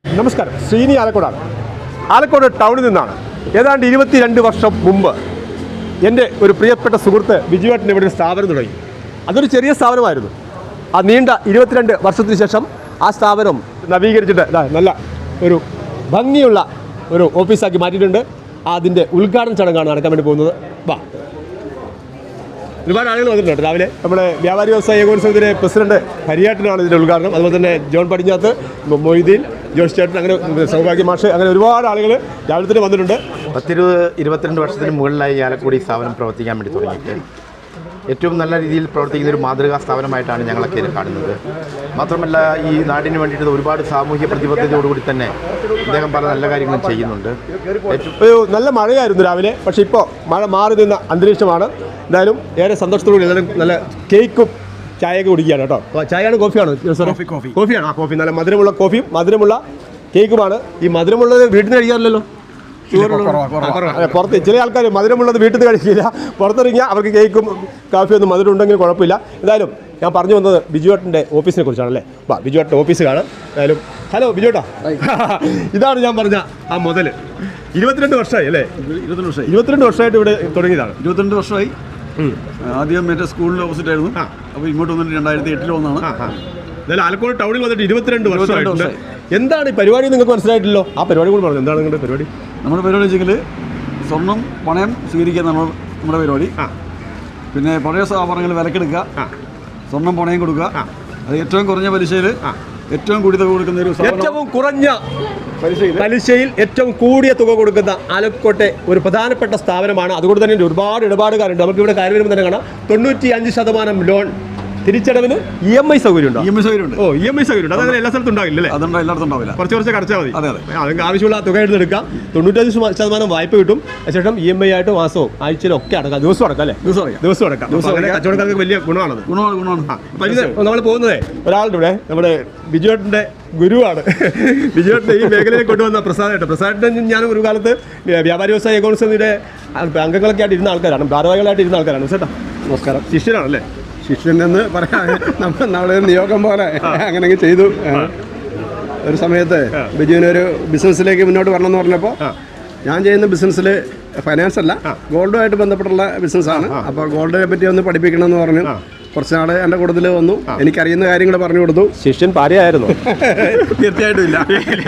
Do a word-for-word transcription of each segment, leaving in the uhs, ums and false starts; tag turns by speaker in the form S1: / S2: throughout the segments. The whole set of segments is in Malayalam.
S1: നമസ്കാരം, ശ്രീനി ആലക്കോടാണ്. ആലക്കോട് ടൗണിൽ നിന്നാണ്. ഏതാണ്ട് ഇരുപത്തിരണ്ട് വർഷം മുമ്പ് എൻ്റെ ഒരു പ്രിയപ്പെട്ട സുഹൃത്ത് ബിജുവേട്ടൻ ഇവിടെ ഒരു സ്ഥാപനം തുടങ്ങി. അതൊരു ചെറിയ സ്ഥാപനമായിരുന്നു. ആ നീണ്ട ഇരുപത്തിരണ്ട് വർഷത്തിന് ശേഷം ആ സ്ഥാപനം നവീകരിച്ചിട്ട് നല്ല ഒരു ഭംഗിയുള്ള ഒരു ഓഫീസാക്കി മാറ്റിയിട്ടുണ്ട്. അതിൻ്റെ ഉദ്ഘാടന ചടങ്ങാണ് നടക്കാൻ വേണ്ടി പോകുന്നത്. വാ, ഒരുപാട് ആളുകൾ വന്നിട്ടുണ്ട് രാവിലെ. നമ്മുടെ വ്യാപാരി വ്യവസായ ഏകോത്സവത്തിലെ പ്രസിഡന്റ് ഹരിയാട്ടനാണ് ഇതിൻ്റെ ഉദ്ഘാടനം. അതുപോലെ തന്നെ ജോൺ പടിഞ്ഞാത്ത്, മൊയ്തീൻ, ജോസ് ചേട്ടൻ, അങ്ങനെ സൗഭാഗ്യ മാഷ്, അങ്ങനെ ഒരുപാട് ആളുകൾ രാവിലെ തന്നെ വന്നിട്ടുണ്ട്.
S2: പത്തിരുപത് ഇരുപത്തിരണ്ട് വർഷത്തിന് മുകളിലായി ആലക്കോട് ഈ സ്ഥാപനം പ്രവർത്തിക്കാൻ വേണ്ടി തുടങ്ങിയിട്ട് ഏറ്റവും നല്ല രീതിയിൽ പ്രവർത്തിക്കുന്ന ഒരു മാതൃകാ സ്ഥാപനമായിട്ടാണ് ഞങ്ങളൊക്കെ ഇത് കാണുന്നത്. മാത്രമല്ല, ഈ നാടിന് വേണ്ടിയിട്ട് ഒരുപാട് സാമൂഹ്യ പ്രതിബദ്ധതയോടുകൂടി തന്നെ അദ്ദേഹം പല നല്ല കാര്യങ്ങളും ചെയ്യുന്നുണ്ട്.
S1: ഒരു നല്ല മഴയായിരുന്നു രാവിലെ, പക്ഷേ ഇപ്പോൾ മഴ മാറി നിന്ന അന്തരീക്ഷമാണ്. എന്തായാലും ഏറെ സന്തോഷത്തോടുകൂടി എല്ലാവരും നല്ല കേക്കും ചായയൊക്കെ കുടിക്കുകയാണ് കേട്ടോ. ചായയാണ് കോഫിയാണ്? കോഫി കോഫിയാണ്. ആ കോഫി നല്ല മധുരമുള്ള കോഫിയും മധുരമുള്ള കേക്കുമാണ്. ഈ മധുരമുള്ളത് വീട്ടിൽ നിന്ന് കഴിക്കാറില്ലല്ലോ, പുറത്ത് ചില ആൾക്കാർ മധുരമുള്ളത് വീട്ടിൽ നിന്ന് കഴിക്കില്ല. പുറത്തിറങ്ങിയാൽ അവർക്ക് കേക്കും കാഫിയൊന്നും മധുരം ഉണ്ടെങ്കിൽ കുഴപ്പമില്ല. എന്തായാലും ഞാൻ പറഞ്ഞു വന്നത് ബിജുവേട്ടൻ്റെ ഓഫീസിനെ കുറിച്ചാണല്ലേ. വാ, ബിജുവേട്ടൻ്റെ ഓഫീസ് കാണാം. എന്തായാലും ഹലോ ബിജുവേട്ടാ, ഇതാണ് ഞാൻ പറഞ്ഞ ആ മുതൽ. ഇരുപത്തിരണ്ട് വർഷമായി അല്ലേ?
S3: ഇരുപത്തിരണ്ട് വർഷമായി
S1: ഇരുപത്തിരണ്ട് വർഷമായിട്ട് ഇവിടെ തുടങ്ങിയതാണ്.
S3: ഇരുപത്തിരണ്ട് വർഷമായി. ആദ്യം മറ്റേ സ്കൂളിൻ്റെ ഓപ്പോസിറ്റ് ആയിരുന്നു. അപ്പോൾ ഇങ്ങോട്ട് വന്നിട്ട് രണ്ടായിരത്തി എട്ടിൽ വന്നാണ്.
S1: എന്തായാലും ആലക്കോട് ടൗണിൽ വന്നിട്ട് ഇരുപത്തിരണ്ട് വർഷമായിട്ടുണ്ട്. എന്താണ് ഈ പരിപാടി? നിങ്ങൾക്ക് മനസ്സിലായിട്ടില്ലോ. ആ പരിപാടി കൂടി പറഞ്ഞു. എന്താണ് നിങ്ങളുടെ പരിപാടി?
S3: നമ്മുടെ പരിപാടി വെച്ചെങ്കിൽ സ്വർണം പണയം സ്വീകരിക്കുക എന്നാണ് നമ്മുടെ പരിപാടി. പിന്നെ പഴയ ആഭരണങ്ങൾ വിലക്കെടുക്കുക, സ്വർണം പണയം കൊടുക്കുക. അത് ഏറ്റവും കുറഞ്ഞ പലിശയിൽ ഏറ്റവും കൂടിയ തുക കൊടുക്കുന്ന ഒരു
S1: ഏറ്റവും കുറഞ്ഞ പലിശയിൽ ഏറ്റവും കൂടിയ തുക കൊടുക്കുന്ന ആലക്കോട്ടെ ഒരു പ്രധാനപ്പെട്ട സ്ഥാപനമാണ്. അതുകൊണ്ട് തന്നെ ഒരുപാട് ഇടപാടുകാരുണ്ട്. നമുക്ക് ഇവിടെ കാര്യം വരുമ്പോൾ തന്നെ കാണാം, തൊണ്ണൂറ്റി അഞ്ച് ശതമാനം ലോൺ തിരിച്ചടവിന് ഇ എം ഐ സൗകര്യം ഉണ്ട്.
S3: ഇ എം ഐ സൗകര്യം ഉണ്ട്.
S1: ഓ, ഇ എം ഐ സൗകര്യം ഉണ്ട്. അതങ്ങനെ എല്ലാ സ്ഥലത്തും ഉണ്ടാവില്ല അല്ലേ?
S3: അതുകൊണ്ട് എല്ലായിടത്തും ഉണ്ടാവില്ല.
S1: കുറച്ച് കുറച്ച് അടച്ചാൽ മതി.
S3: അതെ അതെ.
S1: അതിന് ആവശ്യമുള്ള തുക എടുത്തെടുക്കാം. തൊണ്ണൂറ്റഞ്ച് ശതമാനം വായ്പ കിട്ടും. അതിനുശേഷം ഇ എം ഐ ആയിട്ട് മാസവും ആഴ്ചയിലും ഒക്കെ അടക്കാം. ദിവസം അടക്കാം അല്ലേ? ദിവസം അടക്കാം. ദിവസം അടക്കാം. കച്ചവടക്കാർക്ക് വലിയ ഗുണമാണത്.
S3: ഗുണമാണ് ഗുണമാണ്.
S1: അപ്പം ഇത് നമ്മൾ പോകുന്നതേ ഒരാളുടെ ഇവിടെ നമ്മുടെ ബിജുവേട്ടൻ്റെ ഗുരുവാണ്. ബിജുവേട്ടൻ്റെ ഈ മേഖലയിൽ കൊണ്ടുവന്ന പ്രസാദേട്ടൻ. പ്രസാദേട്ടൻ ഞാൻ ഒരു കാലത്ത് വ്യാപാരി വ്യവസായ ഏകോത്സവത്തിൻ്റെ അംഗങ്ങളൊക്കെ ആയിട്ട് ഇരുന്ന ആൾക്കാരാണ്, ഭാരവാഹികളായിട്ട് ഇരുന്ന ആൾക്കാരാണ്. ചേട്ടാ നമസ്കാരം. ശിഷ്യനാണല്ലേ?
S4: ശിഷ്യനെന്ന് പറയാൻ നമ്മൾ നമ്മളെ നിയോഗം പോലെ അങ്ങനെയൊക്കെ ചെയ്തു. ഒരു സമയത്ത് ബിജുവിനൊരു ബിസിനസ്സിലേക്ക് മുന്നോട്ട് വരണം എന്ന് പറഞ്ഞപ്പോൾ ഞാൻ ചെയ്യുന്ന ബിസിനസ്സിൽ ഫൈനാൻസ് അല്ല, ഗോൾഡുമായിട്ട് ബന്ധപ്പെട്ടുള്ള ബിസിനസ്സാണ്. അപ്പോൾ ഗോൾഡിനെ പറ്റി ഒന്ന് പഠിപ്പിക്കണമെന്ന് പറഞ്ഞു. കുറച്ച് നാൾ എൻ്റെ കൂട്ടത്തിൽ വന്നു. എനിക്കറിയുന്ന കാര്യങ്ങൾ പറഞ്ഞു കൊടുത്തു.
S1: ശിഷ്യൻ പാരയായിരുന്നു?
S4: തീർച്ചയായിട്ടും ഇല്ല.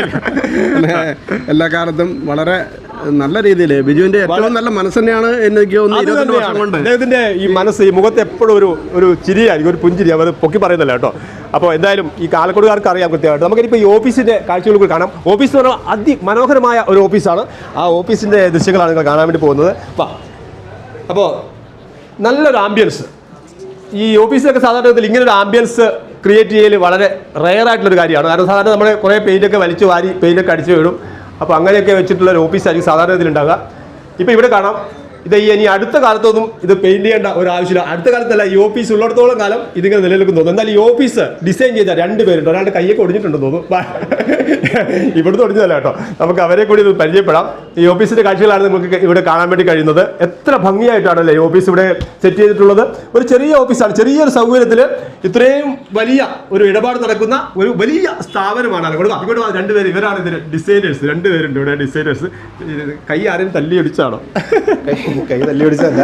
S4: എല്ലാ കാലത്തും വളരെ നല്ല രീതിയിൽ ബിജുവിന്റെ ഏറ്റവും നല്ല മനസ്സ് തന്നെയാണ് എനിക്ക് തോന്നുന്നത്.
S1: അദ്ദേഹത്തിന്റെ ഈ മനസ്സ്, ഈ മുഖത്ത് എപ്പോഴും ഒരു ഒരു ചിരിയായിരിക്കും, ഒരു പുഞ്ചിരി. അവർ പൊക്കി പറയുന്നില്ല കേട്ടോ. അപ്പോൾ എന്തായാലും ഈ കാലക്കോടുകാർക്ക് അറിയാം കൃത്യമായിട്ട്. നമുക്കിപ്പോൾ ഈ ഓഫീസിന്റെ കാഴ്ചകൾ കൂടി കാണാം. ഓഫീസ് എന്ന് പറഞ്ഞാൽ അതിമനോഹരമായ ഒരു ഓഫീസാണ്. ആ ഓഫീസിന്റെ ദൃശ്യങ്ങളാണ് നിങ്ങൾ കാണാൻ വേണ്ടി പോകുന്നത്. അപ്പോൾ നല്ലൊരു ആംബിയൻസ്. ഈ ഓഫീസിലൊക്കെ സാധാരണത്തിൽ ഇങ്ങനൊരു ആംബിയൻസ് ക്രിയേറ്റ് ചെയ്യൽ വളരെ റെയർ ആയിട്ടുള്ളൊരു കാര്യമാണ്. കാരണം സാധാരണ നമ്മൾ കുറേ പെയിൻ്റൊക്കെ വലിച്ചു വാരി പെയിൻ്റൊക്കെ അടിച്ചു വിടും. അപ്പോൾ അങ്ങനെയൊക്കെ വെച്ചിട്ടുള്ള ഒരു ഓഫീസായിരിക്കും സാധാരണ ഇതിലുണ്ടാകുക. ഇപ്പോൾ ഇവിടെ കാണാം, ഇത് ഈ ഇനി അടുത്ത കാലത്തൊന്നും ഇത് പെയിൻറ്റ് ചെയ്യേണ്ട ഒരു ആവശ്യമില്ല. അടുത്ത കാലത്തല്ല, ഈ ഓഫീസ് ഉള്ളിടത്തോളം കാലം ഇതിങ്ങനെ നിലനിൽക്കുന്നു തോന്നുന്നു. എന്നാൽ ഈ ഓഫീസ് ഡിസൈൻ ചെയ്ത രണ്ട് പേരുണ്ട്. ഒരാളുടെ കയ്യൊക്കെ ഒടിഞ്ഞിട്ടുണ്ടെന്ന് തോന്നുന്നു. ഇവിടുന്ന് ഒടിഞ്ഞതല്ല കേട്ടോ. നമുക്ക് അവരെ കൂടി ഇത് പരിചയപ്പെടാം. ഈ ഓഫീസിൻ്റെ കാഴ്ചകളാണ് നമുക്ക് ഇവിടെ കാണാൻ വേണ്ടി കഴിയുന്നത്. എത്ര ഭംഗിയായിട്ടാണല്ലേ ഈ ഓഫീസ് ഇവിടെ സെറ്റ് ചെയ്തിട്ടുള്ളത്. ഒരു ചെറിയ ഓഫീസാണ്. ചെറിയൊരു സൗകര്യത്തിൽ ഇത്രയും വലിയ ഒരു ഇടപാട് നടക്കുന്ന ഒരു വലിയ സ്ഥാപനമാണ് അതുകൊണ്ട്. അതുകൊണ്ട് രണ്ടുപേര് ഇവരാണ് ഇതിന് ഡിസൈനേഴ്സ്. രണ്ടുപേരുണ്ട് ഇവിടെ ഡിസൈനേഴ്സ്. കൈ ആരെയും തല്ലി അടിച്ചാണോ?
S2: കൈ തല്ലി പിടിച്ചല്ല,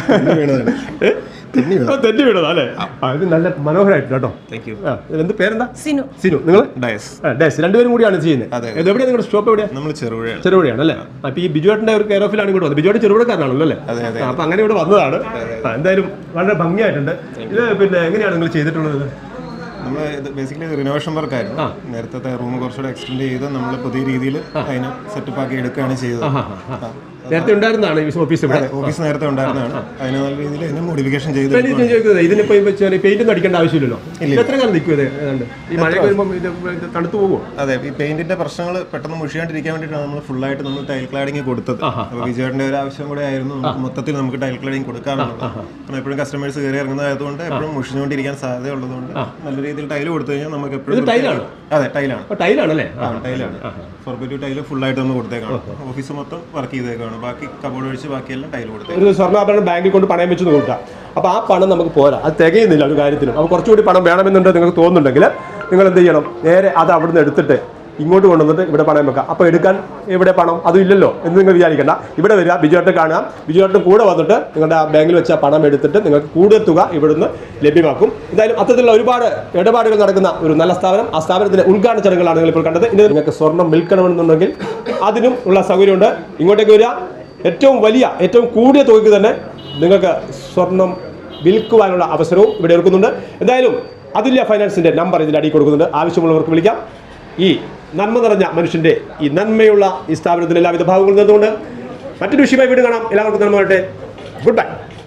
S1: തെന്നി വീണതാ അല്ലേ? ഇത് നല്ല മനോഹരമായിട്ട് കേട്ടോ. എന്ത് പേരെന്താ? സിനു. സിനു. നിങ്ങൾ ഡയസ് രണ്ടുപേരും കൂടിയാണ് ചെയ്യുന്നത്. എവിടെയാണ് നിങ്ങളുടെ സ്റ്റോപ്പ്? എവിടെയാണ്? നമ്മൾ ചെറുപുഴയാണ്. ചെറുപുഴയാണ് അല്ലേ? അപ്പൊ ഈ ബിജുവേട്ടന്റെ ഒരു കെയർ ഓഫിലാണ് ഇവിടെ വന്നത്. ബിജുവേട്ടൻ ചെറുപുഴക്കാരനാണല്ലോ അല്ലേ? അപ്പൊ അങ്ങനെ ഇവിടെ വന്നതാണ്. എന്തായാലും വളരെ ഭംഗിയായിട്ടുണ്ട്. ഇത് പിന്നെ എങ്ങനെയാണ് നിങ്ങൾ ചെയ്തിട്ടുള്ളത്?
S5: നമ്മൾ ബേസിക്കലി റിനോവേഷൻ വർക്കായിരുന്നു. നേരത്തെ റൂം കുറച്ചുകൂടെ എക്സ്റ്റെൻഡ് ചെയ്ത് നമ്മൾ പുതിയ രീതിയിൽ അതിനെ സെറ്റപ്പ് ആക്കി എടുക്കുകയാണ് ചെയ്തത്.
S1: നേരത്തെ ഉണ്ടായിരുന്നതാണ് ഓഫീസ്?
S5: ഓഫീസ് നേരത്തെ ഉണ്ടായിരുന്നതാണ്. അതിന് നല്ല രീതിയിൽ ഇതിനെ മോഡിഫിക്കേഷൻ ചെയ്ത്
S1: ഇതിനിപ്പോ പെയിന്റ് ഒന്നും അടിക്കേണ്ട ആവശ്യമില്ലല്ലോ. എത്ര കാലം നിൽക്കും ഇത്? ഈ മഴ വരുമ്പോൾ ഇത് തണുത്തു പോകുമോ?
S5: അതെ, ഈ പെയിന്റിന്റെ പ്രശ്നങ്ങൾ പെട്ടെന്ന് മുഷിയാണ്ടിരിക്കാൻ വേണ്ടിയിട്ടാണ് നമ്മൾ ഫുള്ളായിട്ട് നമ്മൾ ടൈൽ ക്ലാഡിങ് കൊടുത്തത്. അപ്പോൾ വിജയേട്ടൻ്റെ ഒരു ആവശ്യം കൂടെ ആയിരുന്നു മൊത്തത്തിൽ നമുക്ക് ടൈൽ ക്ലാഡിങ് കൊടുക്കാറുള്ളത്. കാരണം എപ്പോഴും കസ്റ്റമേഴ്സ് കയറി ഇറങ്ങുന്നതായതുകൊണ്ട് എപ്പോഴും മുഷിഞ്ഞുകൊണ്ടിരിക്കാൻ സാധ്യത ഉള്ളതുകൊണ്ട് നല്ല രീതിയിൽ ടൈൽ കൊടുത്തു കഴിഞ്ഞാൽ നമുക്ക് എപ്പോഴും ടൈലാണ്. അതെ, ടൈലാണ്.
S1: ടൈലാണല്ലേ?
S5: ടൈലാണ്. ഫോർബിറ്റു ടൈല് ഫുള്ളായിട്ട് നമ്മൾ കൊടുത്തേക്കാണ്. ഓഫീസ് മൊത്തം വർക്ക് ചെയ്തേക്കാണ്. ബാക്കി കബോർഡ് ഒഴിച്ച് ബാക്കിയെല്ലാം ടൈൽ കൊടുത്തേ.
S1: ഒരു സ്വർണ്ണാഭരണം ബാങ്കിൽ കൊണ്ട് പണയം വെച്ച് കൊടുക്കാം. അപ്പോൾ ആ പണം നമുക്ക് പോരാ, അത് തികയുന്നില്ല ഒരു കാര്യത്തിനും. അപ്പോൾ കുറച്ചുകൂടി പണം വേണമെന്നുണ്ട് നിങ്ങൾക്ക് തോന്നുന്നുണ്ടെങ്കിൽ നിങ്ങൾ എന്ത് ചെയ്യണം? നേരെ അത് അവിടെ നിന്ന് എടുത്തിട്ട് ഇങ്ങോട്ട് കൊണ്ടുവന്നിട്ട് ഇവിടെ പണയം വെക്കാം. അപ്പോൾ എടുക്കാൻ ഇവിടെ പണം അതും ഇല്ലല്ലോ എന്ന് നിങ്ങൾ വിചാരിക്കേണ്ട. ഇവിടെ വരിക, ബിജുവേട്ടനെ കാണുക, ബിജുവേട്ടൻ കൂടെ വന്നിട്ട് നിങ്ങളുടെ ആ ബാങ്കിൽ വെച്ച പണം എടുത്തിട്ട് നിങ്ങൾക്ക് കൂടുതൽ തുക ഇവിടുന്ന് ലഭ്യമാക്കും. എന്തായാലും അത്തരത്തിലുള്ള ഒരുപാട് ഇടപാടുകൾ നടക്കുന്ന ഒരു നല്ല സ്ഥാപനം. ആ സ്ഥാപനത്തിൻ്റെ ഉദ്ഘാടന ചടങ്ങുകളാണ് നിങ്ങൾ ഇപ്പോൾ കണ്ടത്. ഇനി നിങ്ങൾക്ക് സ്വർണ്ണം വിൽക്കണമെന്നുണ്ടെങ്കിൽ അതിനും ഉള്ള സൗകര്യമുണ്ട്. ഇങ്ങോട്ടേക്ക് വരിക, ഏറ്റവും വലിയ ഏറ്റവും കൂടിയ തുകയ്ക്ക് തന്നെ നിങ്ങൾക്ക് സ്വർണം വിൽക്കുവാനുള്ള അവസരവും ഇവിടെ ഒരുക്കുന്നുണ്ട്. എന്തായാലും അതുല്യ ഫൈനാൻസിൻ്റെ നമ്പർ ഇതിൽ അടി കൊടുക്കുന്നുണ്ട്. ആവശ്യമുള്ളവർക്ക് വിളിക്കാം. ഈ നന്മ നിറഞ്ഞ മനുഷ്യൻ്റെ ഈ നന്മയുള്ള ഈ സ്ഥാപനത്തിന് എല്ലാവിധ ഭാവങ്ങളും നേർന്നുകൊണ്ട് മറ്റൊരു വിഷയമായി വീണ്ടും കാണാം. എല്ലാവർക്കും നന്മ വരട്ടെ. Good by.